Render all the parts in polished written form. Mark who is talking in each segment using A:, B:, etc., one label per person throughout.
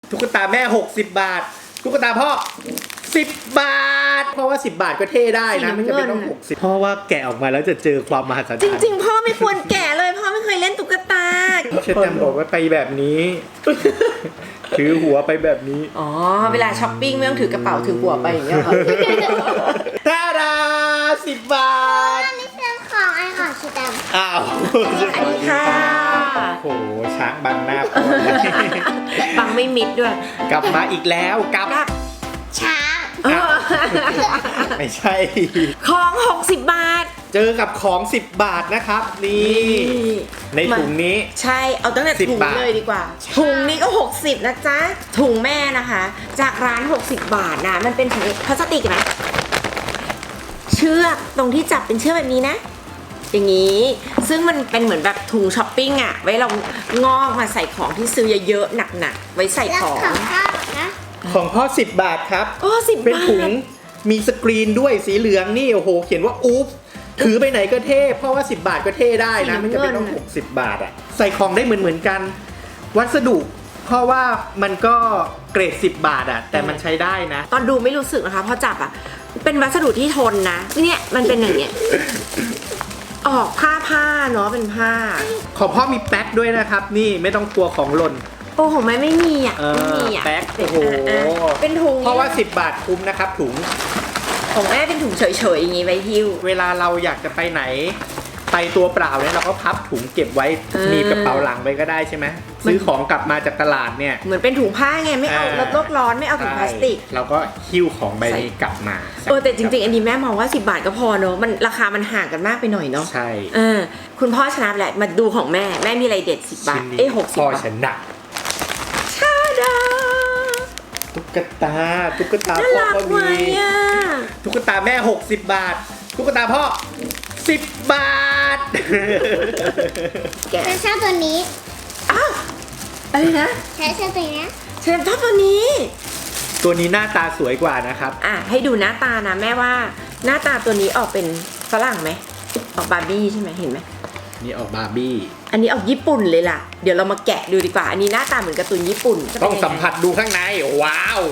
A: ตุ๊กตาแม่60 บาทตุ๊กตาพ่อ10 บาทเพราะว่า10 บาทก็เท่ได้นะไม่จำเป็นต้อง60เพราะว่าแกะออกมาแล้วจะเจอความมหัศจรรย์
B: จริงๆพ่อไม่ควรแกะเลยพ่อไม่เคยเล่นตุ๊กตา
A: เชตแตมบอกว่าไปแบบนี้ ถือหัวไปแบบนี้
B: อ๋อเวลาช้อปปิ้งไม่ต้องถือกระเป๋าถือหัวไปอย่างเงี้ยเหรอ
A: ตาดา10 บาท
C: อันนี้เป็นของไอ้ของชิตัม
A: อ้าว
B: สวัสดีค่ะ
A: โอ้โหช้างบังหน้าพ่อ
B: บังไม่มิดด้วย
A: กลับมาอีกแล้วกับ
C: ช้าง
A: ไม่ใช่
B: ของ60 บาท
A: เจอกับของ10 บาทนะครับนี่ในถุงนี้
B: ใช่เอาตั้งแต่ถุงเลยดีกว่าถุงนี้ก็60นะจ๊ะถุงแม่นะคะจากร้าน60 บาทนะมันเป็นถุงพลาสติกนะเชือกตรงที่จับเป็นเชือกแบบนี้นะอย่างนี้ซึ่งมันเป็นเหมือนแบบถุงช้อปปิ้งอะไว้เรางอกมาใส่ของที่ซื้อเยอะๆหนักๆไว้ใส่ของ
A: ของพ่อ10 บาทครับ
B: 10 บาท
A: เป็นถุงมีสกรีนด้วยสีเหลืองนี่โอ้โหเขียนว่าอุ๊บถือไปไหนก็เท่เพราะว่า10 บาทก็เท่ได้นะไม่จำเป็นต้อง60 บาทอะใส่ของได้เหมือนกันวัสดุเพราะว่ามันก็เกรด10 บาทอะแต่มันใช้ได้นะ
B: ตอนดูไม่รู้สึกนะคะพอจับอะเป็นวัสดุที่ทนนะเนี่ยมันเป็นอย่างเงี้ยออกผ้าเนาะเป็นผ้า
A: ของพ่อมีแป๊กด้วยนะครับนี่ไม่ต้องกลัวของหล่น
B: โอ้ของแม่ไม่มีอ่ะไม่มีอ่ะ
A: แป๊กโอ้โห
B: เป็นถุง
A: เพราะว่า10 บาทคุ้มนะครับถุง
B: ของแม่เป็นถุงเฉยๆอย่างงี้ไว้หิ้ว
A: เวลาเราอยากจะไปไหนไปตัวเปล่าเนี่ยเราก็พับถุงเก็บไว้มีกระเป๋าหลังไปก็ได้ใช่ไหมซื้อของกลับมาจากตลาดเนี่ย
B: เหมือนเป็นถุงผ้าไงไม่เอาโลกร้อนไม่เอาถุงพลาสติก
A: เราก็หิ้วของใบนี้กลับมา
B: แต่จริงๆอันนี้แม่มองว่า10 บาทก็พอเนอะมันราคามันห่างกันมากไปหน่อยเนาะ
A: ใช่
B: คุณพ่อชนะแหละมาดูของแม่มีอะไรเด็ด10 บาท60 บาท
A: พ่อชนะ
B: ชาดา
A: ตุ๊กตาพ่อก็มีตุ๊กตาแม่60 บาทตุ๊กตาพ่อ10 บาท
C: ฉันชอบตัวนี้
B: อ้าวอะไรนะ
C: ฉันชอบตัวนี้
B: ฉันชอบตัวนี้
A: หน้าตาสวยกว่านะครับ
B: ให้ดูหน้าตานะแม่ว่าหน้าตาตัวนี้ออกเป็นฝรั่งไหมออกบาร์บี้ใช่ไหมเห็นไหม
A: นี่ออกบาร์บี้
B: อันนี้ออกญี่ปุ่นเลยล่ะเดี๋ยวเรามาแกะดูดีกว่าอันนี้หน้าตาเหมือนการ์ตูนญี่ปุ่น
A: ต้องสัมผัสดูข้างในว้าว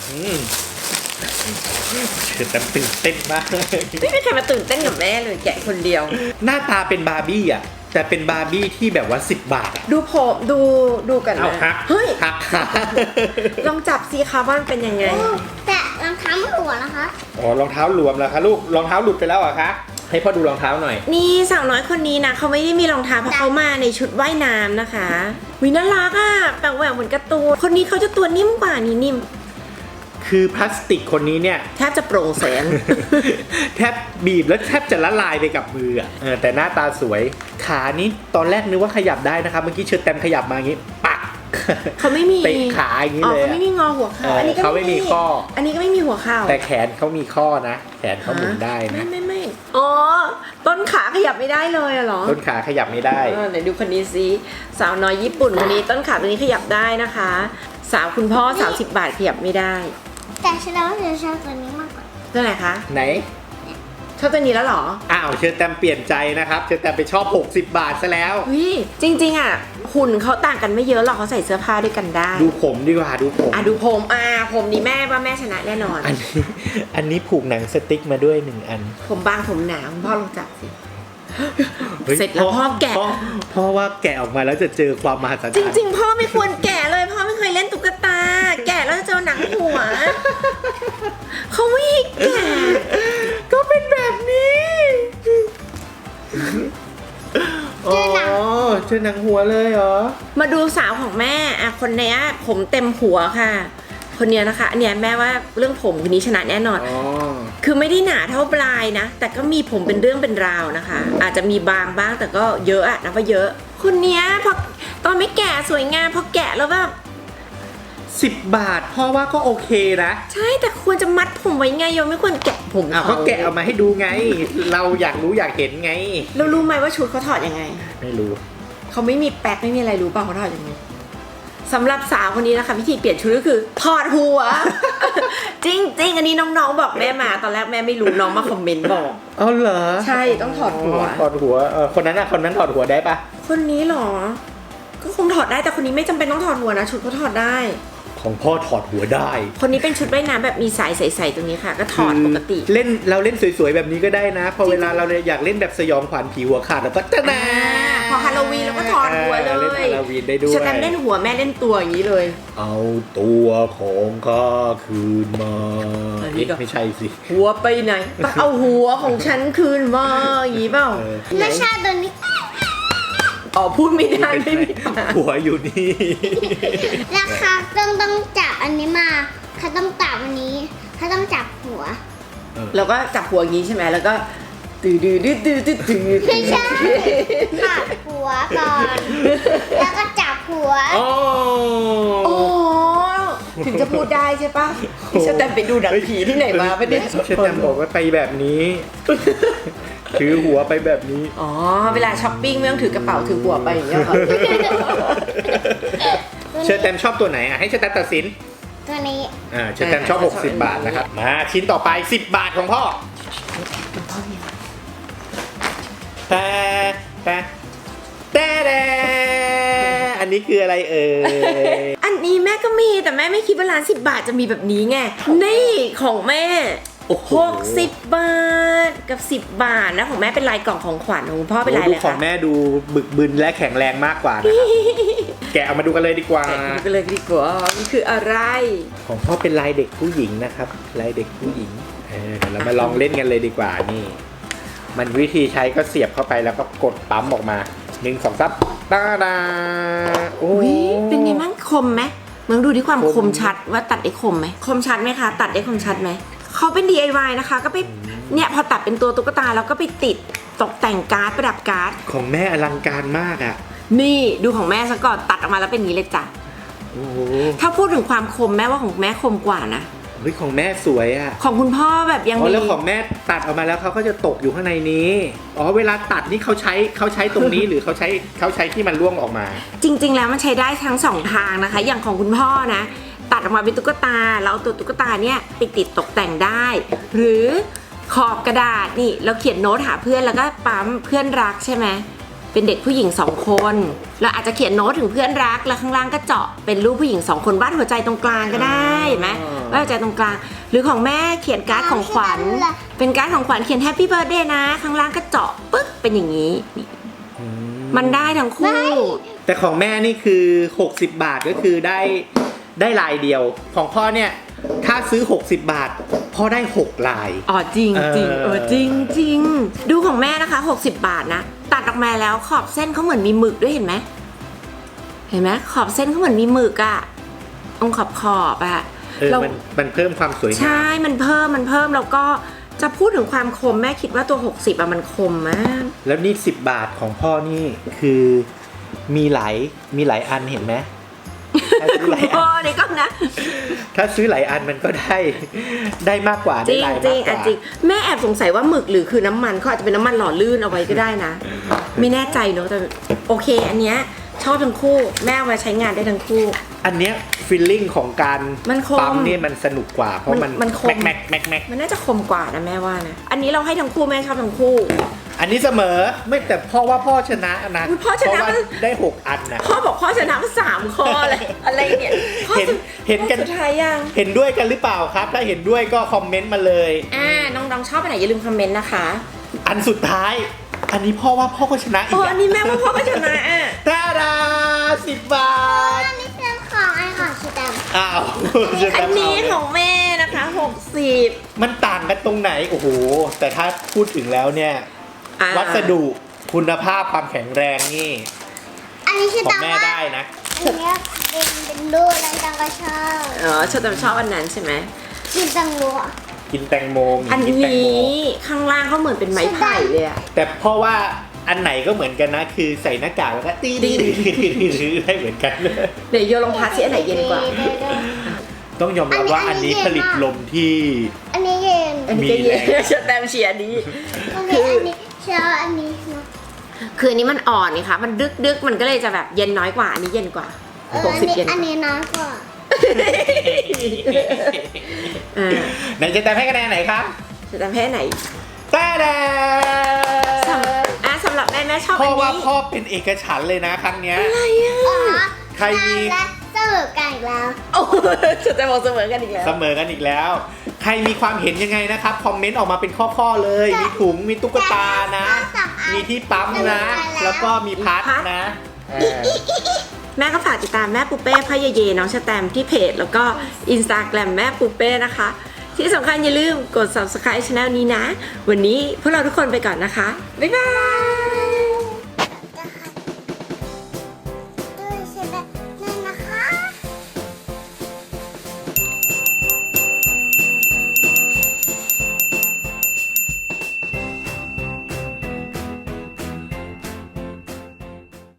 A: แต่ตื่นเต้นมาก
B: ไม่มีใครมาตื่นเต้นกับแม่เลยแกะคนเดียว
A: หน้าตาเป็นบาร์บี้อ่ะแต่เป็นบาร์บี้ที่แบบว่า10 บาท
B: ดูผมดูกันนะเฮ้ยลองจับสิคะว่ามันเป็นยังไง
C: แต่รองเท้ามันหลวมนะคะ
A: อ๋อรองเท้าหลวมแล้วคะลูกรองเท้าหลุดไปแล้วเหรอคะให้พ่อดูรองเท้าหน่อย
B: นี่สาวน้อยคนนี้นะเขาไม่ได้มีรองเท้าเพราะเขามาในชุดว่ายน้ำนะคะวิน่ารักอ่ะแปลกแหวกเหมือนการ์ตูนคนนี้เขาจะตัวนิ่มกว่านี่นิ่ม
A: คือพลาสติกคนนี้เนี่ย
B: แทบจะโปร่งแสง
A: แทบบีบแล้วแทบจะละลายไปกับมือแต่หน้าตาสวยขานี้ตอนแรกนึกว่าขยับได้นะครับเมื่อกี้เชิญแตมขยับมาอย่างนี้ปัก
B: เขาไม่มี
A: เตะขาอย่างนี้เลย
B: เขาไม่มีงอหัวเข่าอันนี้ก็
A: ไม่มีข้อ
B: อันนี้ก็ไม่มีหัวเข่า
A: แต่แขนเขามีข้อนะแขนเขาหมุนได้นะ
B: ไม่อ๋อต้นขาขยับไม่ได้เลยเหรอ
A: ต้นขาขยับไม่ได้
B: ไหนดูคนนี้สิสาวน้อยญี่ปุ่นคนนี้ต้นขาตัวนี้ขยับได้นะคะสาวคุณพ่อ30 บาทขยับไม่ได้
C: แต่ฉันว่าฉันชอบตัวนี้มากกว่า
B: ตัวไหนคะ
A: ไหน
B: ชอบตัวนี้แล้วหรอ
A: อ้าวเชิญแตมเปลี่ยนใจนะครับเชิญแตมไปชอบ60 บาทซะแล้ว
B: จริงๆอ่ะหุ่นเขาต่างกันไม่เยอะหรอกเขาใส่เสื้อผ้าด้วยกันได้
A: ดูผมดีกว่าดูผม
B: ผมนี่แม่ว่าแม่ชนะแน่นอน
A: อันนี้ผูกหนังสติ๊กมาด้วย1 อัน
B: ผมบางผมหนาคุณพ่อลองจับสิเสร็จแล้วพ่อแกะ
A: พ่อว่าแกะออกมาแล้วจะเจอความมหัศจรรย์
B: จริงๆพ่อไม่ควรแกะเลยพ่อไม่เคยเล่นตุ๊กตาแกะแล้วจะเจอหนังหัวเขาไม่ให้แกะ
A: ก็เป็นแบบนี้เจอหนังหัวเลยเหรอ
B: มาดูสาวของแม่คนนี้ผมเต็มหัวค่ะคนนี้นะคะเนี่ยแม่ว่าเรื่องผมคนนี้ชนะแน่นอนคือไม่ได้หนาเท่าปลายนะแต่ก็มีผมเป็นเรื่องเป็นราวนะคะอาจจะมีบางบ้างแต่ก็เยอะนะว่าเยอะคนนี้พอตอนไม่แก่สวยงามพอแกะแล้วแบบ
A: 10 บาทพ่อว่าก็โอเคนะ
B: ใช่แต่ควรจะมัดผมไว้ไงยังไม่ควรแกะผม
A: เขาแกะออกมาให้ดูไงเราอยากรู้อยากเห็นไง
B: เรารู้ไหมว่าชุดเขาถอดยังไง
A: ไม่รู้
B: เขาไม่มีแป๊กไม่มีอะไรรู้เปล่าเขาถอดยังไงสำหรับสาวคนนี้นะคะวิธีเปลี่ยนชุดก็คือถอดหัว จริงอันนี้น้องๆบอกแม่มาตอนแรกแม่ไม่รู้น้องมาคอมเมนต์บอก
A: เหรอ
B: ใช่ต้องถอดหัว
A: คนนั้นถอดหัวได้ปะ
B: คนนี้หรอก็คงถอดได้แต่คนนี้ไม่จำเป็นต้องถอดหัวนะชุดเขาถอดได้
A: ของพ่อถอดหัวได้
B: คนนี้เป็นชุดว่ายน้ำแบบมีสายใสๆตรงนี้ค่ะ ก็ถอดปกติ
A: เล่นเราเล่นสวยๆแบบนี้ก็ได้นะ พอเวลาเราอยากเล่นแบบสยองขวัญผีหัวขาดเราก็จะนะ
B: พอฮาโลวีนเราก็ถอดหัวเลย
A: เล่นฮาโลวีนได้ด้วย
B: สแตมป์เล่นหัวแม่เล่นตัวอย่างนี้เลย
A: เอาตัวของข้าคืนมา
B: อันนี้ก็
A: ไม่ใช่สิ
B: หัวไปไหนต้องเอาหัวของฉันคืนมาอย่างนี้เปล่า
C: ไม่ใช่ตัวนี้
B: อ๋อพูดไม่ได้ไม่มี
A: หัวอยู่นี่
C: ราคาต้องจับอันนี้มาเขาต้องจับอันนี้เขาต้องจับหัว
B: เราก็จับหัวอย่างนี้ใช่ไหมแล้วก็ตื่นตื่น
C: ไม่ใช่จับหัวก่อน แล้วก็จับหัว
A: โอ้
B: โอ้ถึงจะพูดได้ใช่ปะพี่สแตมป์ไปดูหนังผีที่ไหนมาปะเนี่ย
A: เชตแตมบอกว่าไปแบบนี้ ถือหัวไปแบบนี้
B: อ๋อเวลาช้อปปิ้งไม่ต้องถือกระเป๋าถือหัวไปอย่างเงี้ยเหรอ
A: เชตแตมชอบตัวไหนอ่ะให้เชตแตมตัดสิน
C: ตัวนี้
A: เชตแตมชอบ 60 บาทนะครับ มาชิ้นต่อไป10 บาทของพ่อแต่อันนี้คืออะไรเอ่ย
B: อันนี้แม่ก็มีแต่แม่ไม่คิดว่าร้าน10 บาทจะมีแบบนี้ไงนี่ของแม่
A: โอ้โห
B: 60 บาทกับ 10 บาทนะของแม่เป็นลายกล่องของขวัญของคุณพ่อเป็นลายอะไร
A: ขอ
B: คะ
A: งแม่ดูบึกบึนและแข็งแรงมากกว่านะครับ แกะเอามาดูกันเลยดีกว่า
B: แกะดูกันเลยดีกว่านี่คืออะไร
A: ของพ่อเป็นลายเด็กผู้หญิงนะครับ ลายเด็กผู้หญิงเดี๋ยวเรามาลองเล่นกันเลยดีกว่านี่ มันวิธีใช้ก็เสียบเข้าไปแล้วก็กดปั๊มออกมา1 2 3ตาดาโอ้
B: อุ้
A: ย
B: ยเป็นไงมั่งคมไหมมึงดูที่ความ
A: คม
B: คมชัดว่าตัดได้คมไหมคมชัดไหมคะตัดได้คมชัดไหมเขาเป็น DIY นะคะก็ไปเนี่ยพอตัดเป็นตัวตุ๊กตาแล้วก็ไปติดตกแต่งการ์ดประดับการ์ด
A: ของแม่อลังการมากอ่ะ
B: นี่ดูของแม่ซะก่อนตัดออกมาแล้วเป็นอย่างนี้เลยจ้ะ
A: โอ้โห
B: ถ้าพูดถึงความคมแม่ว่าของแม่คมกว่านะ
A: เฮ้ยของแม่สวยอ่ะ
B: ของคุณพ่อแบบยัง
A: อ๋อ
B: มี
A: แล้วของแม่ตัดออกมาแล้วเขาก็จะตกอยู่ข้างในนี้อ๋อเวลาตัดนี่เขาใช้ตรงนี้ หรือเขาใช้ที่มันร่วงออกมา
B: จริง ๆ แล้วมันใช้ได้ทั้งสองทางนะคะ อย่างของคุณพ่อนะตัดออกมาเป็นตุ๊กตาแล้วเอาตัวตุ๊กตาเนี่ยไปติดตกแต่งได้ หรือขอบกระดาษนี่เราเขียนโน้ตหาเพื่อนแล้วก็ปั๊มเพื่อนรักใช่ไหมเป็นเด็กผู้หญิง2 คนเราอาจจะเขียนโน้ตถึงเพื่อนรักแล้วข้างล่างก็เจาะเป็นรูปผู้หญิง2 คนวาดหัวใจตรงกลางก็ได้เห็นไหมวาดหัวใจตรงกลาง หรือของแม่เขียนการ์ดของขวัญเป็นการ์ดของขวัญเขียนแฮปปี้เบิร์ธเดย์นะข้างล่างก็เจาะปึ๊กเป็นอย่างนี้นี่มันได้ทั้งคู่
A: แต่ของแม่นี่คือ60 บาทก็คือได้ลายเดียว ของพ่อเนี่ยถ้าซื้อ60 บาทพ่อได้6ลาย
B: อ๋อจริงจริง
A: เออ
B: จริงจริงดูของแม่นะคะ60 บาทนะตัดออกมาแล้วขอบเส้นเขาเหมือนมีหมึกด้วยเห็นไหมเห็นไหมขอบเส้นเขาเหมือนมีหมึกอะตรงขอบอะ เรา
A: มันเพิ่มความสวยงาม
B: ใช่มันเพิ่มแล้วก็จะพูดถึงความคมแม่คิดว่าตัว60อะมันคมมาก
A: แล้วนี่10 บาทของพ่อนี่คือมีหลายอันเห็นไหมถ้าซื้อหลาย
B: พ่อ
A: อัน
B: เนี่ยก็นะ
A: ถ้าซื้อหลายอันมันก็ได้มากกว่า
B: จ
A: ได้
B: ริง
A: ลาย
B: จริ
A: มาง กก
B: อ่ะ
A: ว่า
B: จริงแม่แอบสงสัยว่าหมึกหรือคือน้ำมันเขาอาจจะเป็นน้ำมันหล่อลื่นเอาไว้ก็ได้นะ ไม่แน่ใจเนอะแต่โอเค อันเนี้ยชอบทั้งคู่แม่เอามาใช้งานได้ทั้งคู่
A: อันเนี้ยฟีลลิ่งของการ
B: มันคม
A: ปั๊มเนี่ยมันสนุกกว่าเพราะ
B: มันคม
A: แม็ก
B: มันน่าจะคมกว่านะแม่ว่านะอันนี้เราให้ทั้งคู่แม่ชอบทั้งคู่
A: อันนี้เสมอไม่แต่พ่อว่าพ่อชนะนะ
B: อุ๊ยพ่อชนะ
A: เพราะว่าได้6 อันนะ
B: พ่อบอกพ่อชนะมา3 ข้อเลยอะไรเนี่ยข้อ
A: เห็นกัน
B: ข้อสุดท้ายยัง
A: เห็นด้วยกันหรือเปล่าครับ ถ้าเห็นด้วยก็คอมเมนต์มาเลย
B: น้องๆชอบอันไหนอย่าลืมคอมเมนต์นะคะ
A: อันสุดท้าย อันนี้พ่อว่าพ่อก็ชนะอี
B: โอ้
A: ก
B: อันนี้แม่ว่าพ่อก็ชนะอ่ะ
A: ตาดา10 บาท
C: อันนี้เป็นของไอ้ของชิตัม
A: อ้าว
B: อันนี้ของแม่นะคะ60
A: มันต่างกันตรงไหนโอ้โหแต่ถ้าพูดถึงแล้วเนี่ย
B: อ่า
A: วัสดุคุณภาพความแข็งแรงนี่
C: อันนี้ชิ
A: ของ
C: ตัม
A: แม่
C: ว่า
A: ได้นะ
C: อันเนี้ยเป็นรูปแล้วตังก็ชอบ
B: อ๋อชอบอันนั้นใช่ไหม
C: ชิตัมรู้
A: กินแตงโมมี
B: อัน
A: กินแตงโม
B: นี้ข้างล่างเขาเหมือนเป็นไม้ไผ่เลยอะ
A: แต่เพราะว่าอันไหนก็เหมือนกันนะ คือใส่หน้ากากแล้วก็ตีได้เหมือนกัน
B: เดี๋ยวโยลองพัดสิอันไหนเย็นกว่า
A: ต้องยอมรับว่าอันนี้ผลิตลมที่
C: อันนี้เย็น
B: อันนี้ก็เย็นชแตมเชียร์นี้
C: โอเคอันนี้ชอบอันนี้นะ
B: คืออันนี้มันอ่อนนี่ค่ะมันดึกมันก็เลยจะแบบเย็นน้อยกว่าอันนี้เย็นกว่า
C: อัน
B: 60
C: นี้
B: เย็นก
C: อัน
B: ว่า
C: นี้น้อยกว่า
A: ไหนจะแต่ให้คะแนนไหนครับ
B: ชแตมให้ไหน
A: แต่แด
B: สำหรับแม่ชอบ
A: พ่
B: อั
A: อน ว่า
B: นี้
A: พ่อเป็นเอกฉันท์เลยนะครั้งเนี้ย
B: อะไรอ่ะ
C: อ๋อ
A: ใครมี
C: และต้องมอกันอีกแล้ว
B: โอ้จะแต่บอกเสมอกันอีกแล้ว
A: เสมอกันอีกแล้ว ใครมีความเห็นยังไงนะครับคอมเมนต์ออกมาเป็นข้อๆเลย มีถุงมีตุ๊กตานะ มีที่ปั๊มนะ แล้วก็มีพัดนะ
B: แม่ก็ฝากติดตามแม่ปูเป้พ่อเยเยน้องชะแตมที่เพจแล้วก็ Instagram แม่ปูเป้นะคะ ที่สำคัญอย่าลืมกด subscribe channel นี้นะ วันนี้พวกเราทุกคนไปก่อนนะคะ บ๊ายบาย